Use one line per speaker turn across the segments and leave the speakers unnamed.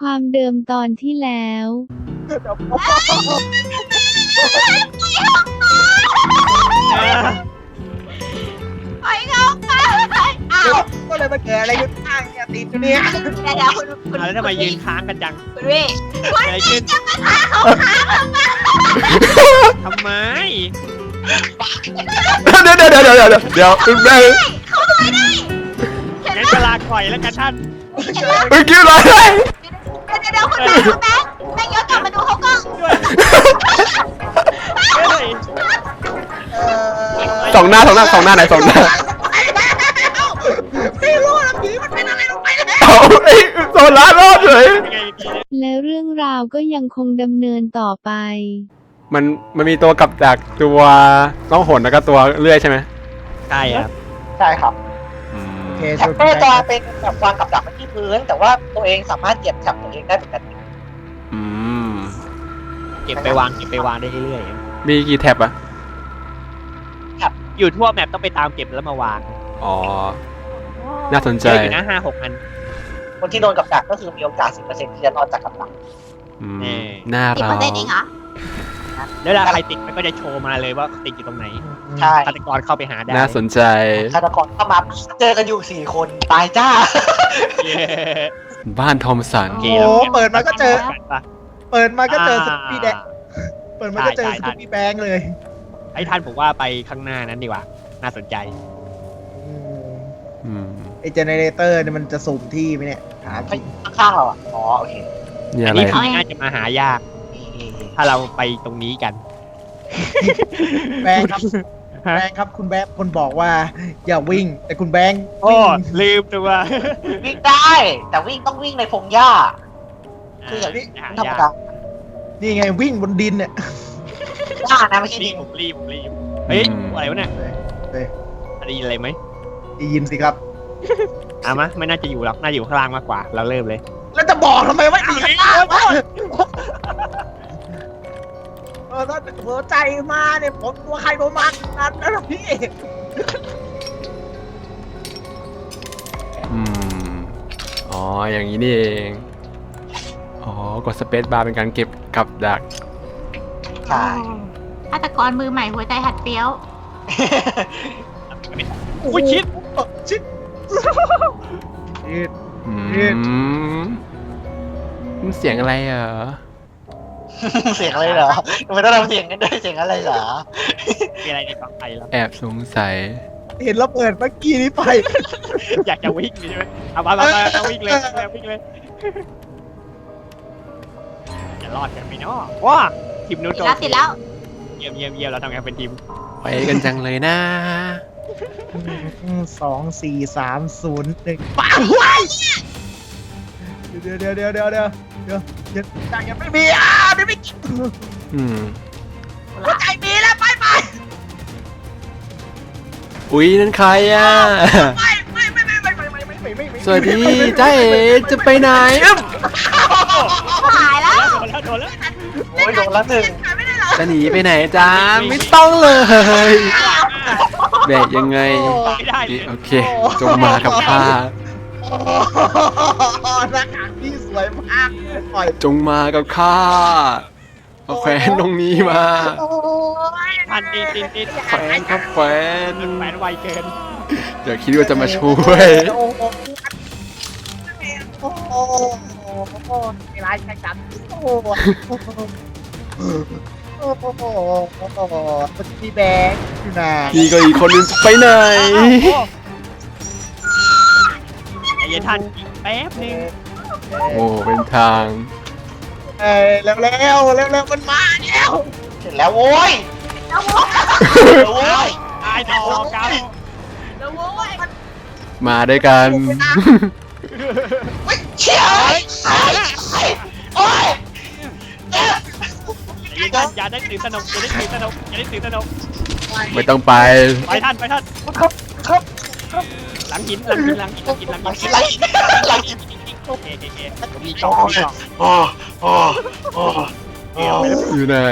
ความเดิมตอนที่แล้ว
ไปเข้าไปอ้าว
ก็เลยมาเกิดอะไรขึ้นข้างเนี่ยติดอยู่เนี่ย
เดี๋ยวคุณ
แล้วทำไมยืนค้างกันจัง
คุณพี่
เกิดอะไรขึ้น
จะมาท้าเขาค้างทำไม
ทำไม
เดี๋ยวแม่
เขาไม่ได้
งั้นจะลาก่อยแล้วกันท่าน
เมื่อกี้อะไร
เดี๋ยวคุณแม่แม่ย้อนกลับมาดูเขาก่อน
เฮ้ย
สองหน้าไหนสองหน้า
ไม่รู้ละผีมันเป็นอะไรลงไปเนี่ย
เอาไอ้โซล่ารอดเลย
ยังไงดีเนี่ย
และเรื่องราวก็ยังคงดำเนินต่อไป
มันมีตัวกับดักตัวต้องหนแล้วก็ตัวเลื่อยใช่ไหม
ใช่ครับ
ใช่ครับ
อืม
โอเค
แท็บเตอร์จะเป็นแบบวางกับดักไว้ที่พื้น แต่ว่าตัวเองสามารถเหยียบแท็บตัวเองได้เหมือนกัน
อืม
เก็บไปวางได้เรื่อย
มีกี่แท็บอะ
ๆอยู่ทั่วแมปต้องไปตามเก็บแล้วมาวาง
อ๋อ น่าสนใจ
เจออยู่นะ5-6 อัน
คนที่โดนกับดักก็คือมีโอกาส 10% ที่จะรอดจากกับดัก
อืม
แน่
น่า
10%
เรา
เองเหรอ
แล้วเวลาใครติดมันก็จะโชว์มาเลยว่าติดอยู่ตรงไหน
ใช่
ฆาตกรเข้าไปหาได้
น่าสนใจ
ฆาตกรเข้ามาเจอกันอยู่4 คนตายจ้า
เย้
บ้านทอมสัน
โอ
โอ้
เค
โหเปิดมาก็เจอ
ปะ
เปิดมาก็เจอสกูปี้แดงเปิดมาก็เจอ
ใช่
ส
ใช่
กูปี้แบงค์เลย
ไอ้ท่านผมว่าไปข้างหน้านั้นดีกว่า น่าสนใจ
อืม
ไอเจเนเรเตอร์เนี่ยมันจะสุ่มที่ไหมเนี่ยถามจริง
ข้างๆเราอ่ะ อ๋อ โอเค
นี่
อั
อะ
น
ไร
นี้ผีน่าจะมาหายาก ถ้าเราไปตรงนี้กัน
แบงค์ครับแบงค์ครับคุณแบงค์คนบอกว่า อย่าวิ่ง แต่คุณแบงค์
โอ้
วิ่ง
ลืมตัว
วิ่งได้ แต่วิ่งต้องวิ่งในพงหญ้า คืออย่างนี้
หา
ธรรม
ยาก
ดา
นี่ไงวิ่งบนดินเนี่ย
หญ้านะไม่ใช่
รี
ดิ
บ
น
ผมรีบเฮ้ยอะไรวะเนี่ย
เฮ้ย
ได้ยินอะไรไหม
ได้ยินสิครับ
มะไม่น่าจะอยู่หรอกน่าจะอยู่ข้างล่างมากกว่า เราเริ่มเลย
แล้วจะบอกทำไมว่าดีข้างล่างวะถ้าหัวใจมาเนี่ยผมตัวใครตัวมันนั่นนะพี่
อืม อ๋อ อย่างนี้นี่เอง อ๋อ กดสเปซบาร์เป็นการเก็บกับดัก
ใช่
ฆาตกรมือใหม่หัวใจหัดเปี้ยว
อุ้ยชิด
ชิด
อืม
เอ๊ะ
มันเสียงอะไรเหรอ
เสียงอะไรเหรอทำไมต้องทำเสียงกันด้วยเสียงอะไรเหรอ
มีอะไรในกองไฟแล้ว
แอบสงสัย
เห็นเราเปิดเมื่อกี้นี้ไป
อยากจะวิ่งใช่ไหมเอามาวิ่งเลยวิ่งเลยจะรอดกันไหมเนาะว้าทีมนู้นโดน
ติดแล้ว
เยี่ยมเราทำงานเป็นทีม
ไปกันจังเลยนะ
2 4 3 0 1ปังว้ายเดี๋ยวใจยังไม่มีไม่มี
อืม
หัวใจมีแล้วไป
อุ๊ย นั่นใครอ่ะ
ไม่
สวัสดีจ้าเอ๋จะไปไหนอึ๊บ
หายแล้ว
โดนแล้ว
โอ้ยโดนละหนึ่ง
จะหนีไปไหนจ้า ไม่ต้องเลยแบกยังไง
ไม่ได้
โอเค จงมากับข้า
หน้ากากที่สวยมากปล่อย
จงมากับข้าเอาแขวนตรงนี้มา
ทันตีน
แขวนครับแขวน
แขวนไวเกิน
เดี๋ยวคิดว่าจะมาช่วย
โอ้โหไม่ร้ายใช่กันโอ้โหมันมีแบงค์อยู่นะ
นี่ก็อีกคนนึงไปไหน
ไอ้ยันทันแป๊บนึง
โอ้ เป็นทาง
แล้วมันมาแล้ว
เสร็จแล้วโว้ยโว้ย
ตายดอกกัน
มาด้วยกัน
เชี่ยโอ้ย
ไอ้ยันทันอย่าได้ตื่นสนุกอย่าได้ตื่นสนุก
ไม่ต้องไป
ไปท่าน
ครับ
หลังหิน
อะไร
โอเคมีกล่องมีกล่อง
โอ้โอ้โอ้โอ้
อยู่ไหน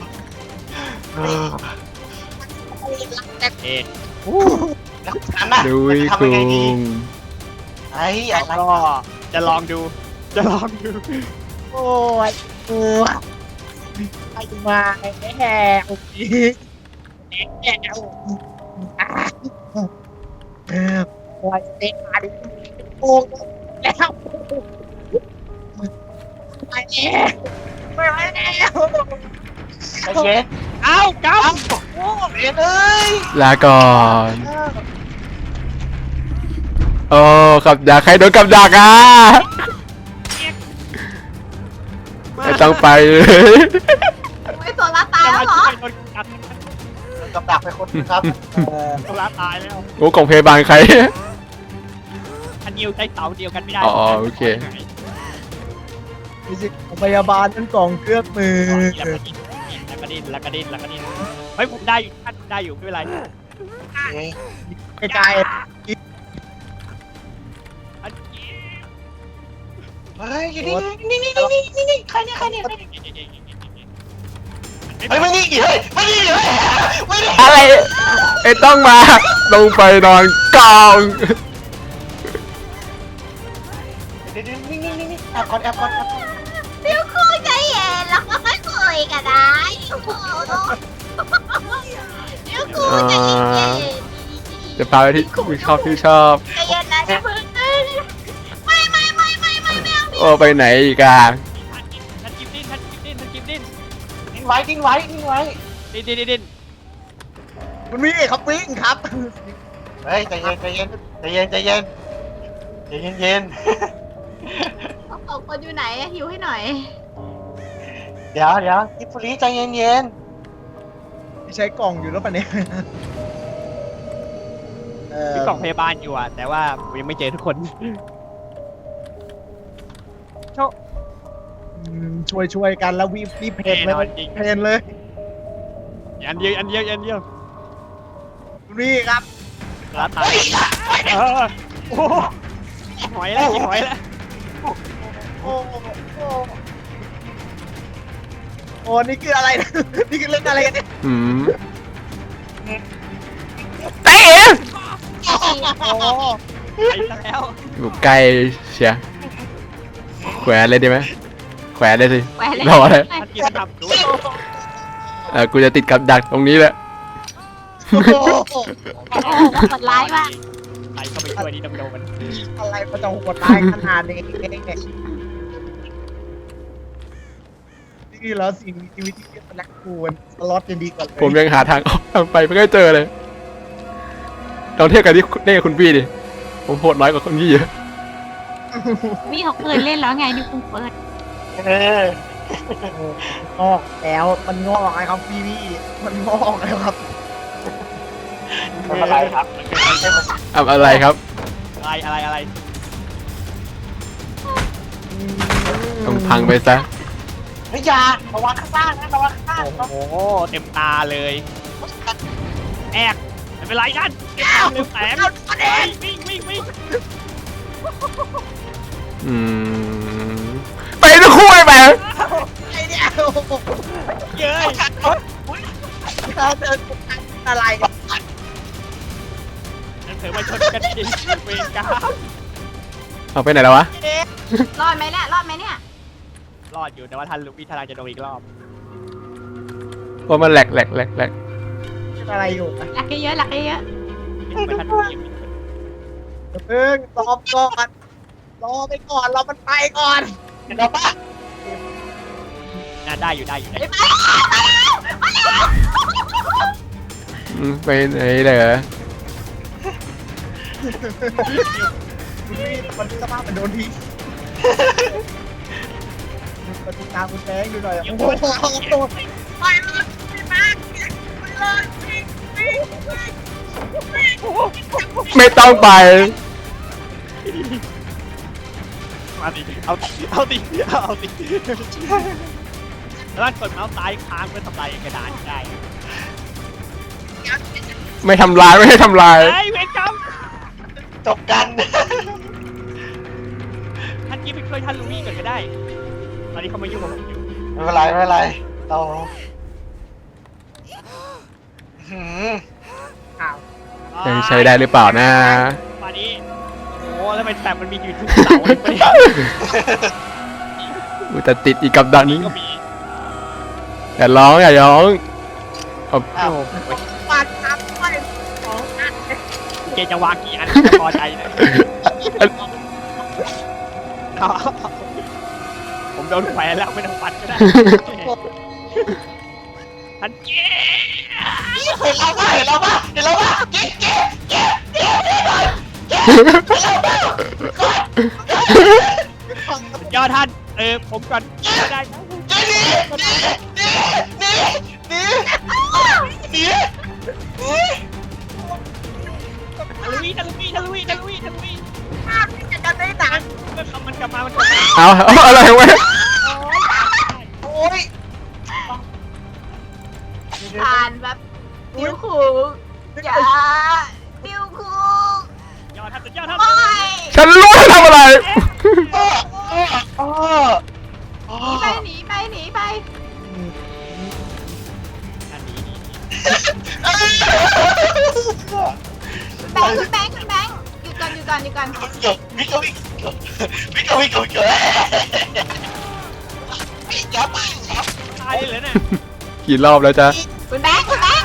เอ๊ะ
แล้วอันน่ะ
ดุย
ทำ
คุ
ยังไงดี
ง
ไอ้อะไร
ก็จะลองดูจะลองดู
โอ้ยโอ้ยไปมาแห่โอ้ยแห่โอ้ยเต็มมาดิโอ้ยแล้วไปแล้วไม่ไหวแล้ว
ใจเย็น
เอ้าเก้า
โอ้เย็นเอ้ย
ลาก่อนโอ้กับดักใครโดนกับดักอ่ะไม่ต้องไปเลย
ไม่โซล่าตายแล้วเหรอ
โดนกัด
กับดักไปคนครับ
โซล่าตายแล้ว
โอ้ของพยาบาลใคร
อันนิวใช้เสาเดียวกันไม่ได้
อ๋อโอเค
มีสิพยาบาลนั่นกล่องเครื่องมือ
แล้วก็ดิ้นแล้วก็ดิ้นแล้วก็ดิ้นเฮ้ยผมได้อยู่ท่านได้อยู่ไม่เป็นไร
ไกล
อันนี้
เฮ้ยอยู่นี่ใครเนี่ยเฮ้ยไม่นี่กี่เฮ้ยไม่นี่เลยไม่นี่
อะไรไอ้ต้องมาลงไปนอนกอง
เดี๋ยวนี่แอบก่อน
เดี๋ยวคุยใจเย็นแล้วก็ค่อยคุยกันได้เดี๋ยวคุยใจเย็น
จะพาไปที่ชอบที่ชอบ
ใจเย็นนะอย่าเพิ่งไม่เอา
โอ้ไปไหนอีกอ่ะ
ท่านกิฟดิ้น
ดิ้นไว้ดิ้น
ดิ้น
คุณวิ่งครับวิ่งครับ
เฮ้ยใจเย็น
สองคนอยู่ไหนหิวให้หน่อย
เดี๋ยวกิฟฟรีใจเย็น
ใช้กล่องอยู่แล้วปะเนี่ย
มีกล่องพยาบาลอยู่อ่ะแต่ว่าผมยังไม่เจอทุกคน
ช่วยกันแล้วรีบเพนเลยเพนเลย
อันเดียว
คุณวิ่งครับ
ลาตายโอ้หอยแล้วหอยแล้ว
โอ้นี่คืออะไรนะนี่คือเล่นอะไรกันเนี่ย
อืมเตะ
โอ้
ไปแล้ว
อยู่ใกล้เชียร์แขวนเลยดีไหมแขวนเลยสิ
แหวนเลย
รอเลย
ท่านกิฟทำดู
กูจะติดกับดักตรงนี้แหละ
โอ้โหดร้ายมาก
ใครเข้าไปช่วยนี่ดำโดน
อะไรมันจะโหดร้ายขนาดนี้นี่แล้วสิ่งมีชีวิตที่เป็นแลกคูนสล็อตยังดีกว่าเลย
ผมยังหาทางออกทางไปไม่ได้เจอเลยลองเทียบกันที่เล่นกับคุณพี่ดิผมโหดน้อยกว่าคนพี่เยอะ
มีเขาเปิดเล่นแล้วไงนี่คุณเปิด
งอกแล้วมันงอกไงครับพี่มันงอกแล้วครับ
ไม่เป็นไรครับ
อะไรครับ
อะไร
ต้องพังไปซะ
เฮ้ยอย่าระวังข้างล่างนะระวังข้างล่าง
โอ้โหเต็มตาเลยแอกไม่เป็นไรกันลืมแสงวิ่ง
อืมไปทั้งคู่เลยแหม
ไอ้เนี่ย
เย้ย
อะไร
นั่นเถอะมาชนกันจริงเวรกรรม
เอาไปไหนแล้ววะ
รอดไหมเนี่ยรอดไหมเนี่ย
รอดอยู่แต่ว่าท่านลูกพี่ทนายจะโดนอีกรอบ
เพราะมันแหลก
อะไรอยู่นะ
หลักเยอะหลักเยอะ
ไม่ท่านผู้หญิง
เพิ่งรอก่อนรอไปก่อนรอมันไปก่อน
เดี๋ยวป้า
น่าได้อยู่
ไปไหนเหรอ
มันสภาพมันโดนทีปฏิการคุณแบงค์ดูหน่อยโอ้โหไปเลยพี่แบงค์ไปเลยวิ่ง
ไม่ต้องไป
มาดิเอาดิแล้วกดเมาส์ซ้ายค้างเพื่อทำลายกระดานได้
ไม่ทำลายไม่ให้ทำลาย
เฮ้ยเวรกรรม
จบกัน
ท่านกี้ไปช่วยท่านลูวี่ก่อนก็ได้ ตอนนี้เขามายุ่งกับผมอยู่
ไม่เป็นไรเรา
ยังใช้ได้หรือเปล่านะ
มาดิโอ้โหแล้วทำไมแต่มันมีอยู่ทุกเสาเลยไป
อุ๊ยแต่ติดอีกกับดักนี้
ก็มี
อย่าร้องอย่าร้องเอา
อ้าว
ปาดทับไปของอัน
เกจะวางกี่อันพอใจเลยผมโดนแขวนแล้วไม่ต้องปัดก็ได้ท่านเก
เห็นเราปะเห็นเราปะเห็นเราปะเก๊ะเก๊ะเก๊ะเก๊ะเก๊ะเก๊ะ
สุดยอดท่านผมก่อนได้
หนี
ทะลุทะลุ
ภาพที่จะได้หนัง
มันกลับมา
เอาอะไรวะ
โอ้ย
ผ่านแบบนิ้วคูอย่านิ้วคู
ยอดท่านสุดยอดท่าน
โอ้ย
ฉันรู้จะทำอะไร
หนีไปหนีไป
อันนี้
คุณแบงค์หยุดก่อน
วิ่งอย่าไปครับ
ตายเลยเนี่ย
กี่รอบแล้วจ๊ะ
คุณแบงค์
เดี๋ยว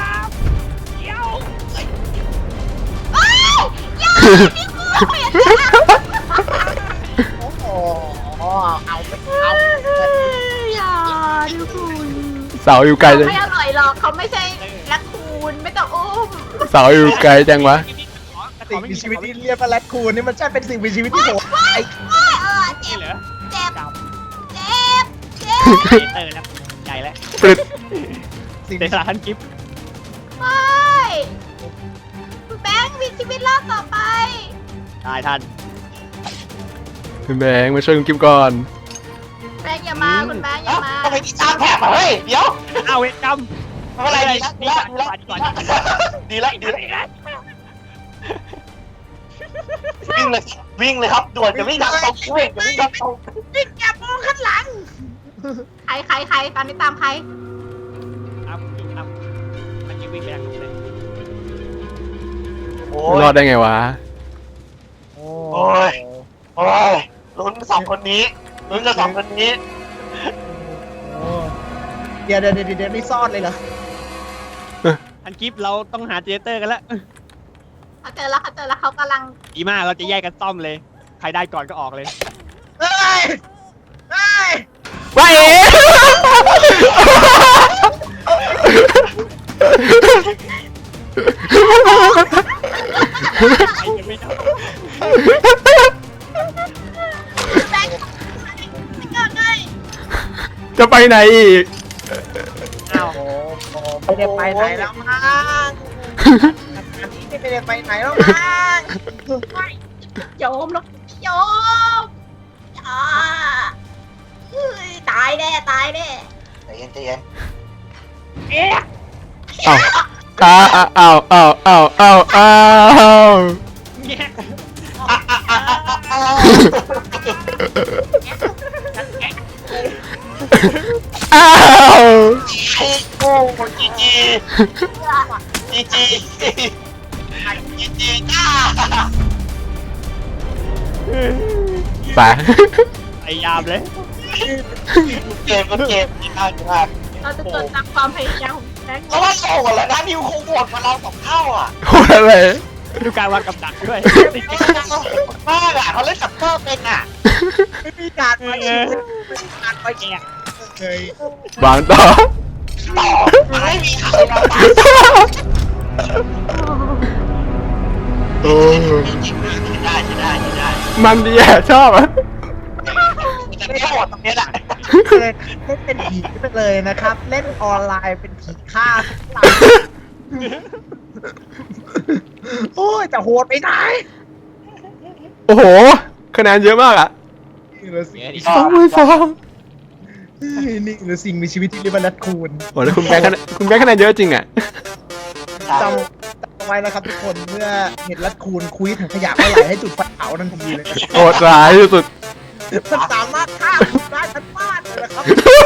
โอ้ยอย่านิ้วคู
โอ้โหเอาไป
อย่านิ้วคู
เสาอยู่ไกลจัง
ไม่อร่อยหรอกเขาไม่ใช่รักคูณไม่ต้องอุ้ม
เสาอยู่ไกลจังวะ
สิ่งมีชีวิตที่เรียกว่าแรดคูนนี่มันใช่เป็นสิ่งมีชีวิตที่โหดไอ้
เจ็บ
เหรอ
เจ็บ
จับ
เจ็บ
เตอร์แล้วใหญ่แล้ว
ปรึด
สิ่ง
เดซาท่านกิฟต์
ไม่คุณแบงค์มีชีวิตรอดต่อไป
ตายท่าน
คุณแบงค์มาช่วยคุณกิฟก่อน
แบงค์อย่ามาคุณแบงค์อย่ามา
ทำไมที่สร้างแผลมาเฮ้ยเดี๋ยว
เอาเวทกรรม
ไม่เป็นไรดีแล้ววิ่งเลยครับด่วนจะวิ่งทางตรงวิ่งจะวิ่งทางตรง
อย่ามองข้างหลัง
ใครตอนนี้ตามใคร
ครับท่านกิฟต์วิ่งไปทางนู้นเลย
โอ้
รอดได้ไงวะ
โอ้ยลุ้นสองคนนี้ลุ้นกับสองคนนี้
เดี๋ยวนี่ซ่อนเลยเหรอ
ท่านกิฟต์เราต้องหาเจเตอร์กันแล้ว
เขาเจอแล้วเขากำลัง
ดีมากเราจะแยกกันซ่อมเลย ใครได้ก่อนก็ออกเลย
เฮ้ย
ว่าเอ๋
ใครจะไม่ได้
แบงค์เกิดไง
จะไปไหนอีก
อ้าว
ไม่ได้ไปไหนแล้วมั้งอันนี้ไม่ได้ไปไหนแล้วมั้ง
โยมแล้วโยมตายแน่
ใจเย็น
อ้าว
เนี่ย
อ้าว
โอ้จีจีจ้า
ไป
พยายามเลย
เกมดีมาก
เราจะเกิดตามความพยายามของแบงค์
แล้วว่าโง่แล้วนะนิวคงโหวตมาเรา2 เท่าอ่ะ
โหดอะไร
ดูการวางกับดักด้วย
มากอ่ะเขาเล่นสับเตอร์เป็นอ่ะ
ไม่มีการไปการไปแอบเลยว
างต่อ
ต่อไม่มีใครมาต
โอ้
ได้
มันดีอ่ะชอบอ่ะ
จะไม่โหวตตรงนี้แหละ
เล่นเป็นผีไปเลยนะครับ เล่นออนไลน์เป็นผีฆ่าทุกหลังโอ้ยจะโหดไปไหน
โอ้โหคะแนนเยอะมากอ่ะ
นี่เหลือสิ่ง
2-2
นี่เหลือสิ่งมีชีวิตที่เรียกว่าแรดคูน
โอ้แล้วคุณแบงค์คะแนนเยอะจริงอ่ะ
จำไว้นะครับทุกคนเมื่อเห็นแรดคูนคุยถังขยะเมื่อไหร่ให้จุดไฟเผาทันทีเลย
โหดร้ายที่สุด
มันสามารถฆ่าคุณได้ทั้งบ้านเลยนะครับ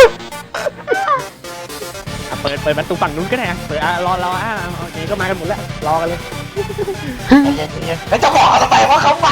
เปิดประตูฝั่งนู้นก็ได้เปิดรอโอเคก็มากันหมดแล้วรอกันเลย
แล้วจะบอกทำไมว่าเขา